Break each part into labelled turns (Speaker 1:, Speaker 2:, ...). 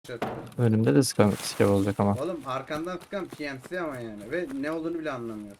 Speaker 1: Önümde de skev olacak ama.
Speaker 2: Oğlum arkandan sıkan PNC ama yani ve ne olduğunu bile anlamıyor.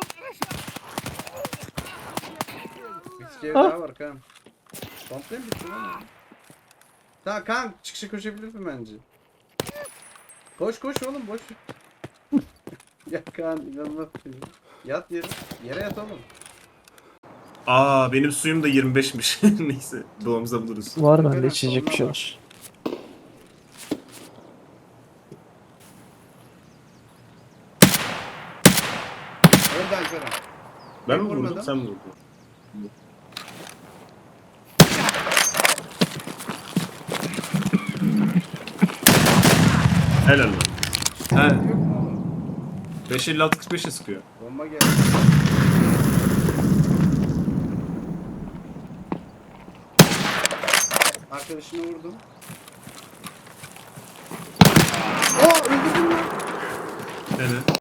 Speaker 2: Bir skev daha var kan. Komple mi bitti lan? Tamam kan çıkışa koşabilirsin bence. Koş koş oğlum boş. Ya kan inanılmaz bir şey. Yat yere. Yere yat oğlum.
Speaker 3: Aa benim suyum da 25'miş. Neyse doğamıza buluruz.
Speaker 1: Var
Speaker 2: Efendim,
Speaker 1: bende içecek bir
Speaker 2: soruna
Speaker 1: şeyler.
Speaker 2: Öldü Alperen.
Speaker 3: Ben mi
Speaker 2: vurmadım.
Speaker 3: vurdum sen mi vurdun? Helal lan. He.
Speaker 2: Yok mu oğlum?
Speaker 3: 556 45'e sıkıyor.
Speaker 2: Bomba geldi. Arkadaşını vurdum. Oo öldürdüm lan.
Speaker 3: Evet.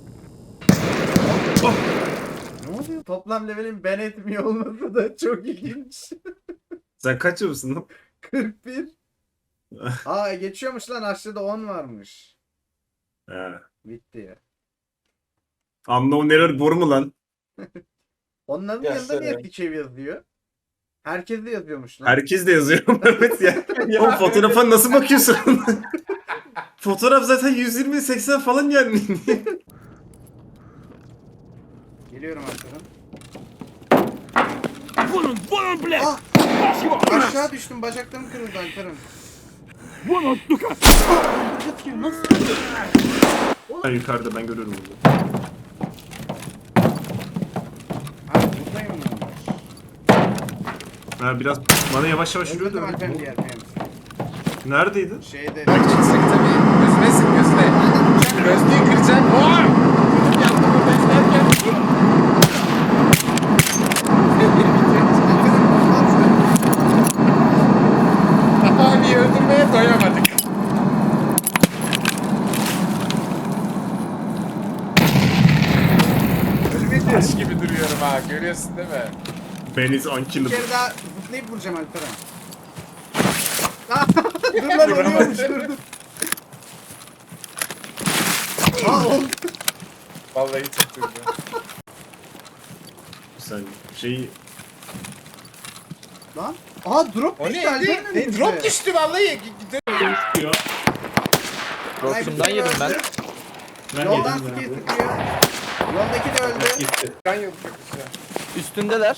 Speaker 3: Oh.
Speaker 2: Ne oluyor? Toplam levelim ben etmiyor olması da çok ilginç.
Speaker 3: Sen kaç yılısın lan?
Speaker 2: 41. Aa geçiyormuş lan aşağıda 10 varmış.
Speaker 3: He.
Speaker 2: Bitti ya.
Speaker 3: Unknown Error boru mu lan?
Speaker 2: Onların yanında niye Pikev yazıyor? Herkes de yazıyormuş lan.
Speaker 3: Herkes de yazıyor Mehmet ya. Oğlum fotoğrafa nasıl bakıyorsun? Fotoğraf zaten 120-80 falan yani.
Speaker 2: Geliyorum arkadan.
Speaker 4: Vurun ble!
Speaker 2: Ah! Aşağı düştüm bacaklarım kırıldı Alperen.
Speaker 4: Vurun Luka!
Speaker 2: Nasıl?
Speaker 3: Ben yukarıda ben görüyorum bunu.
Speaker 2: Abi buradayım mı?
Speaker 3: Ha biraz bana yavaş yavaş yürüyordu.
Speaker 2: Öldürdüm Alperen diğer PMC.
Speaker 3: Neredeydin?
Speaker 2: Şeyde.
Speaker 5: Bak çıksak tabii. Gözüne sık gözüne. Gözlüğü kıracak. Oha! Yandım orada izlerken. Abi öldürmeye doyamadık. Taş gibi duruyorum ha. Görüyorsun değil mi?
Speaker 3: Ben is
Speaker 2: Bir
Speaker 3: unkillable.
Speaker 2: kere daha zıplayıp vuracağım Alperen. Dur lan oluyormuş dur dur. Aa oldu.
Speaker 5: Vallahi çok duydu.
Speaker 3: Sen şeyi
Speaker 2: Lan. Aa drop
Speaker 5: O
Speaker 2: düştü
Speaker 5: neydi?
Speaker 2: Alperen'in önümüze.
Speaker 5: Drop düştü vallahi.
Speaker 3: çıkıyor.
Speaker 1: Drop'umdan yedim ben.
Speaker 2: Yoldan skill sıkıyor. Yoldaki de öldü.
Speaker 3: Gitti.
Speaker 5: Ben yok çok güzel.
Speaker 1: Üstündeler.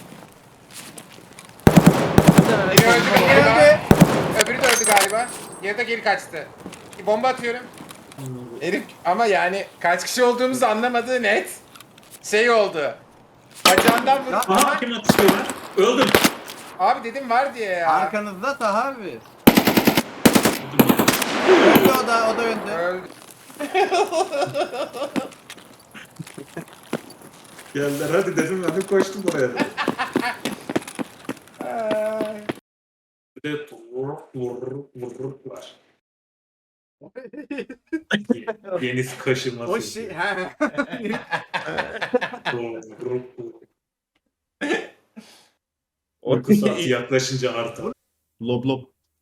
Speaker 5: Biri öldü
Speaker 2: Öldü.
Speaker 5: galiba. Öbürü de öldü galiba. Geride geri kaçtı. Bir bomba atıyorum. Herif ama yani kaç kişi olduğumuzu anlamadığı net. Şey oldu. Bacağından vurdu.
Speaker 3: Aha kim atışıyorlar? Öldüm.
Speaker 5: Abi dedim var diye ya.
Speaker 2: Arkanızda Taha abi. Öldü o da öldü.
Speaker 5: Öldü.
Speaker 3: Geldiler hadi dedim ben de koştum oraya.
Speaker 5: Ay.
Speaker 3: Bir de var. Deniz kaşıması.
Speaker 2: O şey he.
Speaker 3: Uyku saati yaklaşınca artar. Lob lob.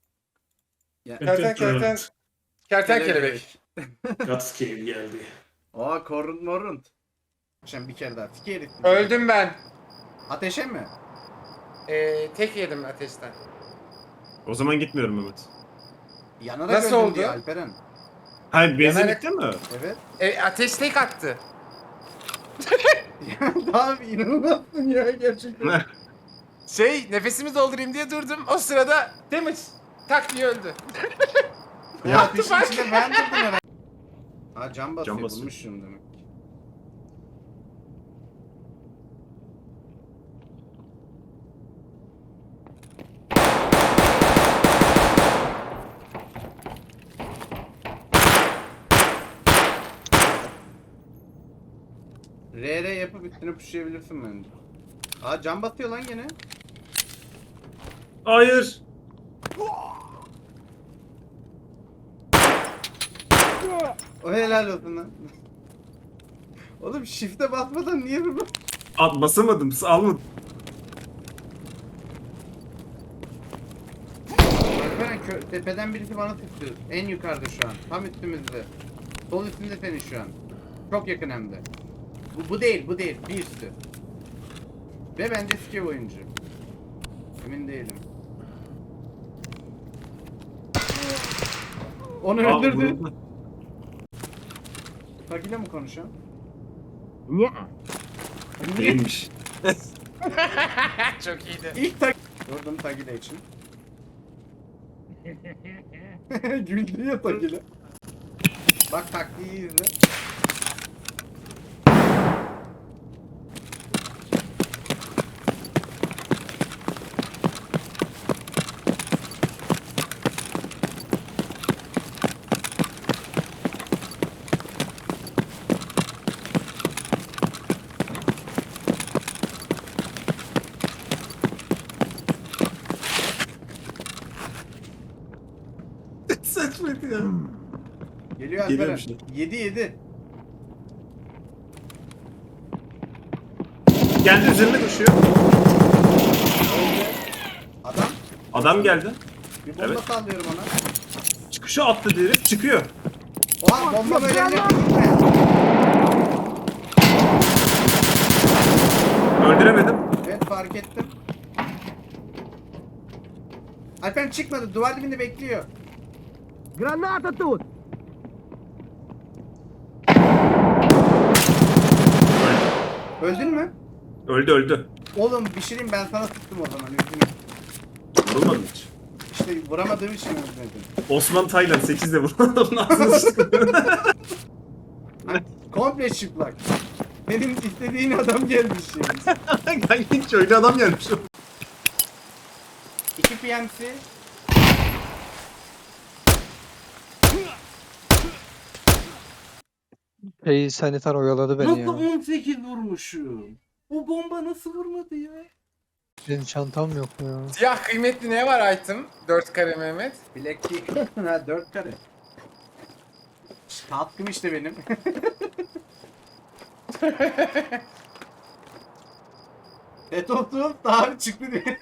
Speaker 5: Kertenkele bek.
Speaker 3: Gatscale geldi.
Speaker 2: Aa korun morun. Şimdi bir kere daha tiki herif.
Speaker 5: Öldüm ben.
Speaker 2: Ateşe mi?
Speaker 5: Tek yedim ateşten.
Speaker 3: O zaman gitmiyorum Mehmet.
Speaker 2: Yanarak
Speaker 5: Nasıl
Speaker 2: öldüm
Speaker 5: oldu?
Speaker 2: diyor Alperen.
Speaker 3: Hayır benzin
Speaker 5: Yanarak-
Speaker 3: bitti mi?
Speaker 2: Evet.
Speaker 5: Ateş tek attı.
Speaker 2: Abi inanılmazsın ya gerçekten.
Speaker 5: Nefesimi doldurayım diye durdum. O sırada damage tak diye öldü.
Speaker 2: Ya ateşin içinde ben durdum herhalde. Ha cam basıyor,
Speaker 3: Cam basıyor.
Speaker 2: bulmuşum demek. RR yapıp üstüne pushlayabilirsin bence. Aa cam batıyor lan gene.
Speaker 3: Hayır.
Speaker 2: O helal olsun lan. Oğlum shift'e basmadan niye bu?
Speaker 3: Basamadım. Almadım.
Speaker 2: Alperen tepeden birisi bana sıktı. En yukarıda şu an. Tam üstümüzde. Sol üstünde senin şu an. Çok yakın hem de. Bu değil, bu değil. Bir üstü. Ve bence skev oyuncu. Emin değilim. Onu
Speaker 3: Aa,
Speaker 2: öldürdü.
Speaker 3: vuruldu.
Speaker 2: Tagile mi konuşan?
Speaker 3: Değilmiş.
Speaker 5: Çok iyiydi.
Speaker 2: İlk tag... Vurdum Tagile için. Güldü ya Tagile. Bak taktiği izle.
Speaker 3: Saçmaydı ya.
Speaker 2: Geliyor
Speaker 3: Geliyor
Speaker 2: Alperen.
Speaker 3: bir şey.
Speaker 2: 7.
Speaker 3: Geldi üzerine koşuyor.
Speaker 2: Adam.
Speaker 3: Adam geldi.
Speaker 2: Bir bomba
Speaker 3: Evet.
Speaker 2: sallıyorum ona.
Speaker 3: Çıkışa atladı herif çıkıyor.
Speaker 2: Oha bomba böyle gitme.
Speaker 3: Öldüremedim.
Speaker 2: Evet fark ettim. Alperen çıkmadı. Duvar dibinde bekliyor.
Speaker 4: Granata тут!
Speaker 2: Öldün mü?
Speaker 3: Öldü öldü.
Speaker 2: Oğlum bir şey diyeyim, ben sana sıktım o zaman. Üzgünüm.
Speaker 3: Vurulmadı hiç.
Speaker 2: İşte vuramadığım için öldürdüm.
Speaker 3: Osman Taylan 8'de vurdu adamın ağzına sıktı.
Speaker 2: Komple çıplak. Benim istediğin adam gelmiş yani.
Speaker 3: Hiç öyle adam gelmiş.
Speaker 2: 2 PMC.
Speaker 1: Sanitar oyaladı beni ya.
Speaker 2: Nasıl 18 vurmuşum? O bomba nasıl vurmadı ya?
Speaker 1: Benim çantam yok mu ya?
Speaker 5: Siyah kıymetli ne var item? 4 kare Mehmet.
Speaker 2: Black Key. Ha 4 kare. Tatkım işte benim. Etoptum daha çıktı diye.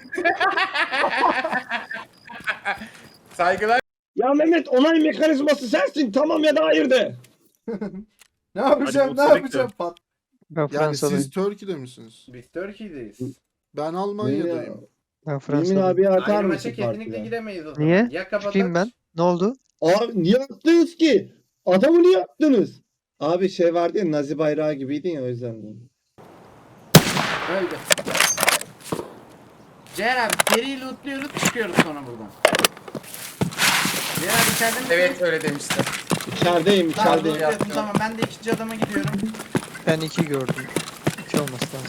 Speaker 5: Saygılar.
Speaker 4: Ya Mehmet onay mekanizması sensin tamam ya da hayır de.
Speaker 2: Ne yapacağım,
Speaker 3: Hadi
Speaker 2: ne
Speaker 3: bot
Speaker 2: yapacağım? Pat.
Speaker 1: Ben
Speaker 6: Yani
Speaker 1: Fransa'dayım.
Speaker 6: siz Türkiye'de misiniz?
Speaker 2: Biz Türkiye'deyiz.
Speaker 6: Ben Almanya'dayım.
Speaker 1: Ben
Speaker 7: Emin
Speaker 1: Fransa'dayım.
Speaker 7: abiye atar
Speaker 2: Aynı
Speaker 7: mısın
Speaker 2: maça kesinlikle
Speaker 7: partiye?
Speaker 2: giremeyiz o zaman.
Speaker 1: Niye?
Speaker 2: Ya kapatalım.
Speaker 1: Çıkayım ben. Ne oldu?
Speaker 7: Abi niye attınız ki? Adamı niye attınız? Abi şey vardı ya, Nazi bayrağı gibiydin ya, o yüzden.
Speaker 2: Öldü. Ceyhan abi seri lootluyoruz, çıkıyoruz sonra buradan. Ceyhan abi içeride misin?
Speaker 5: Evet öyle demişti.
Speaker 7: İçerideyim,
Speaker 2: Tamam,
Speaker 7: içerideyim.
Speaker 2: lootluyorsun, tamam. Ben de ikinci adama gidiyorum.
Speaker 1: Ben 2 gördüm. 2 olması lazım.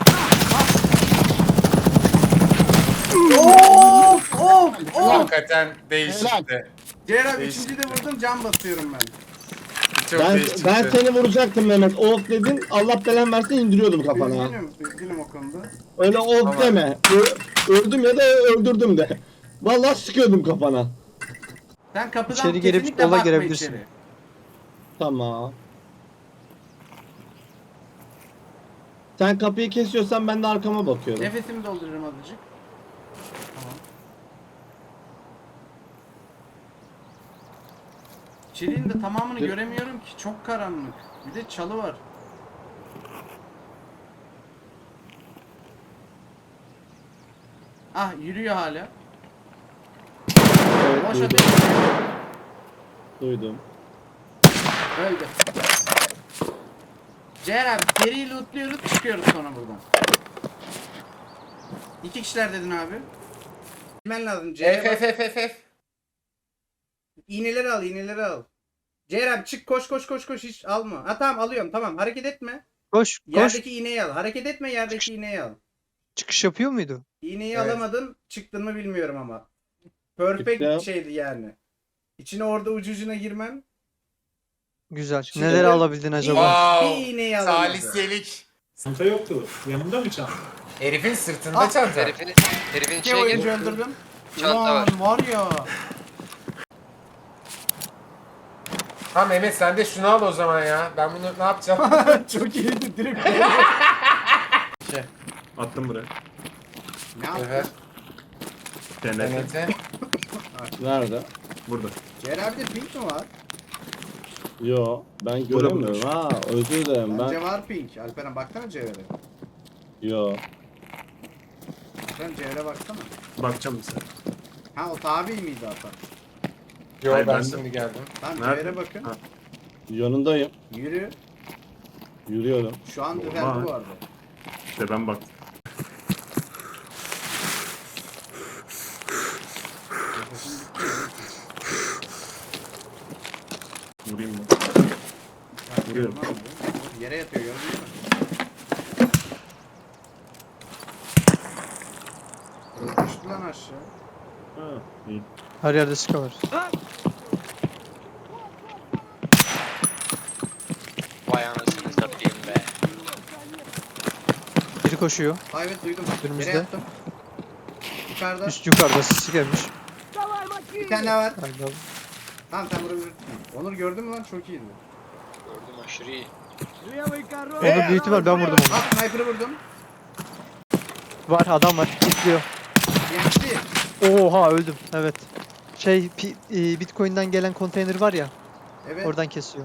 Speaker 2: Of!
Speaker 5: Hakikaten değişikti.
Speaker 2: Ceyhan abi
Speaker 5: Değişik.
Speaker 2: üçüncüyü de vurdum, can basıyorum ben.
Speaker 5: Çok
Speaker 7: Ben,
Speaker 5: değişikti.
Speaker 7: ben seni vuracaktım Mehmet. Of dedin. Allah belanı versin, indiriyordum kafana.
Speaker 2: Üzgünüm o konuda.
Speaker 7: Öyle of
Speaker 5: Tamam.
Speaker 7: deme. Öldüm ya da öldürdüm de. Vallahi sıkıyordum kafana.
Speaker 2: Sen kapıdan
Speaker 1: İçeri girip
Speaker 2: kesinlikle
Speaker 1: sola
Speaker 2: bakma
Speaker 1: girebilirsin.
Speaker 2: içeri.
Speaker 7: Tamam. Sen kapıyı kesiyorsan ben de arkama bakıyorum.
Speaker 2: Nefesimi doldururum azıcık. Tamam. İçeriğin de tamamını göremiyorum ki. Çok karanlık. Bir de çalı var. Ah yürüyor hala.
Speaker 7: Evet,
Speaker 2: Boş
Speaker 7: duydum.
Speaker 2: ateş ediyor.
Speaker 7: Duydum.
Speaker 2: Öldü. Ceyhan abi seri lootluyoruz, çıkıyoruz sonra buradan. 2 kişiler dedin abi. Bilmen lazım. C'ye bas.
Speaker 5: F.
Speaker 2: İğneleri al, iğneleri al. Ceyhan abi çık, koş hiç alma. Ha tamam alıyorum, tamam, hareket etme.
Speaker 1: Koş koş.
Speaker 2: Yerdeki iğneyi al. Hareket etme, yerdeki iğneyi al.
Speaker 1: Çıkış yapıyor muydu?
Speaker 2: İğneyi
Speaker 5: Evet.
Speaker 2: alamadın, çıktın mı bilmiyorum ama. Perfect
Speaker 7: Çıktım.
Speaker 2: şeydi yani. İçine orada ucucuna girmem.
Speaker 1: Güzel.
Speaker 2: Şimdi
Speaker 1: Neleri
Speaker 2: ben-
Speaker 1: alabildin acaba?
Speaker 2: Bir
Speaker 5: Wow.
Speaker 2: iğneyi alamadı.
Speaker 5: Salisiyelik.
Speaker 3: Çanta yoktu. Yanında mı çanta?
Speaker 5: Herifin sırtında
Speaker 2: Ah,
Speaker 5: çanta.
Speaker 8: Herifin
Speaker 2: İki
Speaker 8: içine
Speaker 2: oyuncu
Speaker 8: gir.
Speaker 2: öldürdüm.
Speaker 8: Çanta var.
Speaker 2: Ulan var ya.
Speaker 5: Ha Mehmet sen de şunu al o zaman ya. Ben bunu ne yapacağım?
Speaker 2: Çok iyiydi direkt.
Speaker 3: Attım buraya.
Speaker 2: Ne yaptın?
Speaker 5: Evet.
Speaker 3: TNT.
Speaker 5: Mehmet'e.
Speaker 2: Aç.
Speaker 7: Nerede?
Speaker 3: Burada.
Speaker 2: Ceyr abi de pink mi var?
Speaker 7: Yo ben
Speaker 3: Burada,
Speaker 7: göremiyorum.
Speaker 3: burada.
Speaker 7: Ha özür dilerim
Speaker 2: Bence
Speaker 7: ben.
Speaker 2: var pink. Alperen baksana Ceyre.
Speaker 7: Yo.
Speaker 2: Alperen Ceyre baksana.
Speaker 3: Bakacağım mesela.
Speaker 2: Ha o tabi miydi hatta?
Speaker 5: Yo
Speaker 3: Hayır,
Speaker 5: ben
Speaker 3: ben de-
Speaker 5: şimdi geldim.
Speaker 2: Tamam
Speaker 3: Nerede?
Speaker 2: Ceyre bakın.
Speaker 3: Ha.
Speaker 7: Yanındayım.
Speaker 2: Yürü.
Speaker 7: Yürüyorum.
Speaker 2: Şu an düzeldi
Speaker 3: Oha.
Speaker 2: bu arada.
Speaker 3: İşte ben baktım. Vurayım mı? Vuruyorum.
Speaker 2: Yere yatıyor gördün mü? Düştü lan aşağı.
Speaker 7: Ha.
Speaker 3: İyi.
Speaker 1: Her yerde sıkı var.
Speaker 8: Vay anasını satayım be.
Speaker 1: Biri koşuyor.
Speaker 2: Ha evet duydum.
Speaker 1: Önümüzde.
Speaker 2: Yere yattım. Yukarıda.
Speaker 1: Üst yukarıda sisi gelmiş.
Speaker 2: Bir tane daha var.
Speaker 1: Aynen.
Speaker 2: Tamam sen vurabilirsin. Onur gördün mü lan? Çok iyiydi.
Speaker 8: Gördüm aşırı iyi.
Speaker 1: Onu büyük ihtimal ben vurdum onu.
Speaker 2: Ah sniper'ı vurdum.
Speaker 1: Var adam var. Bitliyor.
Speaker 2: Yetti.
Speaker 1: Oha öldüm. Evet. Bitcoin'den gelen konteyner var ya.
Speaker 2: Evet.
Speaker 1: Oradan kesiyor.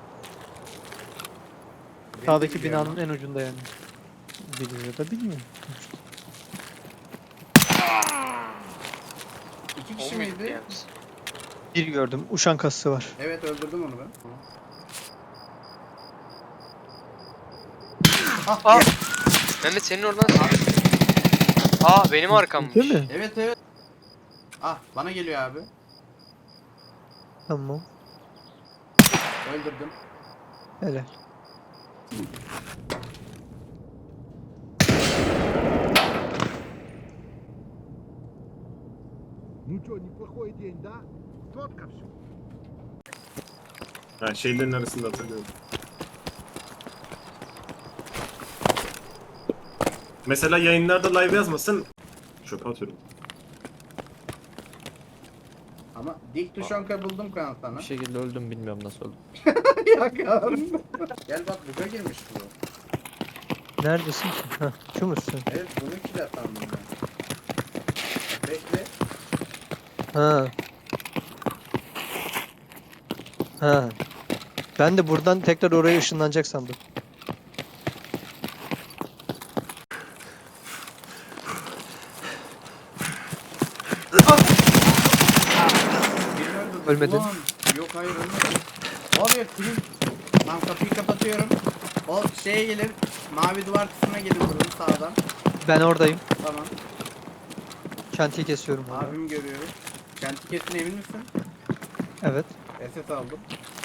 Speaker 2: Beni de
Speaker 1: Sağdaki
Speaker 2: biliyor
Speaker 1: binanın
Speaker 2: ama.
Speaker 1: en ucunda yani. Biliyor da bilmiyor.
Speaker 2: İki kişi
Speaker 8: O muydu
Speaker 2: miydi?
Speaker 8: yalnız?
Speaker 1: Bir gördüm. Uşan kasası var.
Speaker 2: Evet öldürdüm onu ben.
Speaker 8: Aa! Mehmet senin oradan sıkıyor. Aa benim arkammış.
Speaker 1: Değil mi?
Speaker 2: Evet evet. Ah bana geliyor abi.
Speaker 1: Tamam.
Speaker 2: Öldürdüm.
Speaker 1: Helal.
Speaker 3: Ha, şeylerin arasında hatırlıyorum. Mesela yayınlarda live yazmasın. Çöpe atıyorum.
Speaker 2: Ama dik tuşanka buldum kan sana.
Speaker 9: Bir şekilde öldüm bilmiyorum nasıl öldüm.
Speaker 2: Ya kan. Gel bak buga girmiş bu.
Speaker 1: Neredesin ki? Heh, şu musun?
Speaker 2: Evet bunu kill sandım ben. Bekle.
Speaker 1: Ha. Ha. Ben de buradan tekrar oraya ışınlanacak sandım.
Speaker 2: Birini öldürdüm.
Speaker 1: Ölmedin.
Speaker 2: Ulan, yok hayır ölmedim. Var ya kill. Lan kapıyı kapatıyorum. O şeye gelir. Mavi duvar kısmına gelir vururum sağdan.
Speaker 1: Ben oradayım.
Speaker 2: Tamam.
Speaker 1: Şantiyi kesiyorum. orada.
Speaker 2: Abimi görüyorum. Kenti kesin emin misin?
Speaker 1: Evet.
Speaker 2: SS aldım.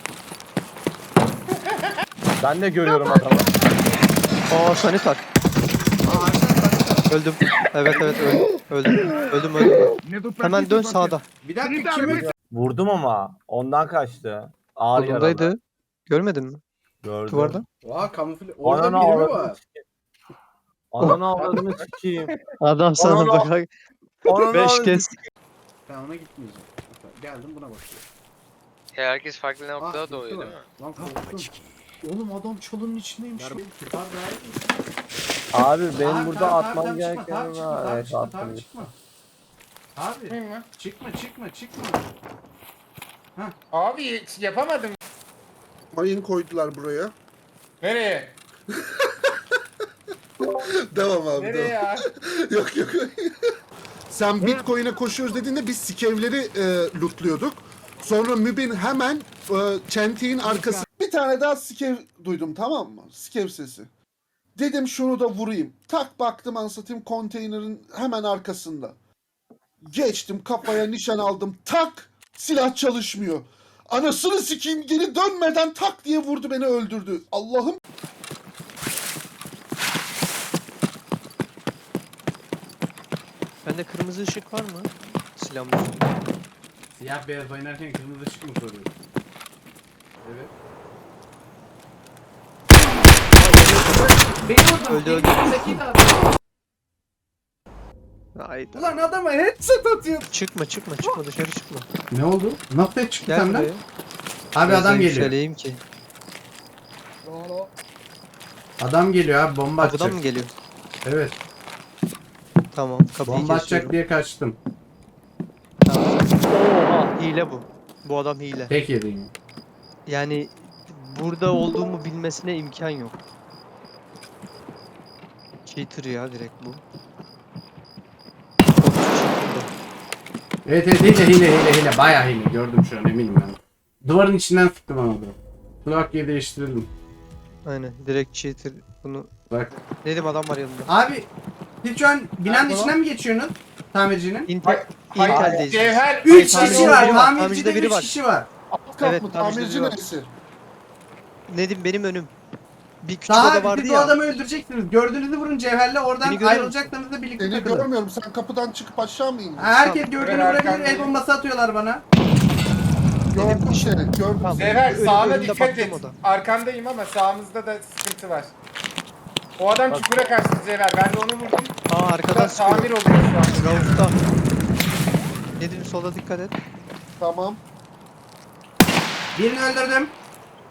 Speaker 9: Ben de görüyorum adamı.
Speaker 1: Aa sanitar.
Speaker 2: Aa arkadaşlar.
Speaker 1: Öldüm. Evet evet öldüm. Öldüm. Hemen dön sağda.
Speaker 2: Bir dakika kimi?
Speaker 9: Vurdum ama ondan kaçtı. Ağır yaralı.
Speaker 1: Solundaydı. Görmedin mi?
Speaker 9: Gördüm.
Speaker 1: Duvarda.
Speaker 2: Oha kamufle. Orada
Speaker 9: Ananı
Speaker 2: biri mi
Speaker 9: avradını
Speaker 2: var?
Speaker 9: sikeyim. Ananı avradını sikeyim.
Speaker 1: Adam sana
Speaker 9: Ananı-
Speaker 1: bak.
Speaker 9: Ananı
Speaker 1: 5
Speaker 9: avradını
Speaker 1: kez.
Speaker 2: Ben ona gitmeyeceğim. Geldim buna bakıyorum.
Speaker 8: Ya herkes farklı noktada
Speaker 2: gitti
Speaker 8: doğuyor
Speaker 2: var.
Speaker 8: değil mi?
Speaker 2: Lan korktum. Oğlum adam çalının içindeymiş. Abi
Speaker 9: Abi benim burada atmam gereken
Speaker 2: Abi
Speaker 9: var. Evet
Speaker 2: çıkma,
Speaker 9: attım.
Speaker 2: abi çıkma. Abi
Speaker 5: Çıkmayayım mı?
Speaker 2: çıkma.
Speaker 5: Abi yapamadım.
Speaker 6: Mayın koydular buraya.
Speaker 5: Nereye?
Speaker 6: Devam abi
Speaker 5: Nereye
Speaker 6: devam.
Speaker 5: ya?
Speaker 6: Yok yok. Sen Bitcoin'e koşuyoruz dediğinde biz skevleri lootluyorduk. Sonra Mübin hemen çentiğin arkası. Bir tane daha skev duydum, tamam mı? Skev sesi. Dedim şunu da vurayım. Tak baktım ansatayım konteynerin hemen arkasında. Geçtim kafaya nişan aldım. Tak silah çalışmıyor. Anasını sikeyim geri dönmeden tak diye vurdu beni öldürdü. Allah'ım.
Speaker 1: Bende kırmızı ışık var mı? Silahımın üstünde.
Speaker 2: Siyah beyaz oynarken kırmızı ışık mı soruyor? Evet. Beni
Speaker 1: Öldü, öldü. Hayda.
Speaker 2: Ulan adama headset atıyor.
Speaker 1: Çıkma dışarı çıkma.
Speaker 2: Ne oldu? Nasıl çıktı
Speaker 1: Gel
Speaker 2: senden?
Speaker 1: buraya.
Speaker 2: Abi
Speaker 1: Biraz
Speaker 2: adam
Speaker 1: da
Speaker 2: geliyor.
Speaker 1: yükseleyim ki.
Speaker 2: Adam geliyor abi bomba atacak.
Speaker 1: Kapıdan mı geliyor?
Speaker 2: Evet.
Speaker 1: Tamam kapıyı
Speaker 2: Bomba atacak
Speaker 1: kesiyorum.
Speaker 2: diye kaçtım.
Speaker 1: Tamam. Hile bu. Bu adam hile.
Speaker 2: Tek yediğim.
Speaker 1: Yani burada olduğumu bilmesine imkan yok. Cheater ya direkt bu.
Speaker 2: Evet hile. Bayağı hile. Gördüm şu an eminim ben. Duvarın içinden sıktım ama bunu. Kulaklığı değiştirelim.
Speaker 1: Aynen direkt cheater bunu.
Speaker 2: Bak.
Speaker 1: Dedim adam var yanında.
Speaker 2: Abi siz şu an binanın içinden mi geçiyorsunuz? Tamircinin.
Speaker 1: Intel,
Speaker 5: Hayır,
Speaker 1: Intel'deyiz.
Speaker 5: Cevher
Speaker 2: 3
Speaker 1: tamircide
Speaker 2: kişi var.
Speaker 1: biri var,
Speaker 2: Tamircide
Speaker 1: tamircide biri
Speaker 2: 3
Speaker 1: var.
Speaker 2: kişi var.
Speaker 6: Alt kat
Speaker 1: Evet,
Speaker 6: mı?
Speaker 1: tamirci
Speaker 6: Tamirci
Speaker 1: diyor.
Speaker 6: neresi?
Speaker 1: Nedim benim önüm. Bir küçük
Speaker 2: Daha
Speaker 1: oda vardı
Speaker 2: siz o
Speaker 1: ya.
Speaker 2: adamı öldüreceksiniz. Gördüğünüzü vurun Cevher'le oradan
Speaker 1: Beni görüyor
Speaker 2: ayrılacaklarınızda birlikte
Speaker 6: Seni
Speaker 2: takılın.
Speaker 6: görmüyorum. Sen kapıdan çıkıp aşağı mı indin?
Speaker 2: Herkes
Speaker 1: Tamam.
Speaker 2: gördüğünü
Speaker 5: Ben
Speaker 2: vurabilir. El
Speaker 5: arkandayım.
Speaker 2: bombası atıyorlar bana.
Speaker 6: Gördüm
Speaker 1: Benim-
Speaker 6: seni. Gördüm.
Speaker 1: Tamam.
Speaker 5: Cevher
Speaker 1: Önümde
Speaker 5: sağına
Speaker 1: baktım
Speaker 5: dikkat et.
Speaker 1: o da.
Speaker 5: Arkandayım ama sağımızda da sıkıntı var. O adam çukura kaçtı Cevher. Ben de onu vurdum.
Speaker 1: Aa arkadan
Speaker 5: Biraz tamir
Speaker 1: sıkıyor.
Speaker 5: oluyor şu an.
Speaker 1: Rauf'ta. Nedim sola dikkat et.
Speaker 6: Tamam.
Speaker 2: Birini öldürdüm.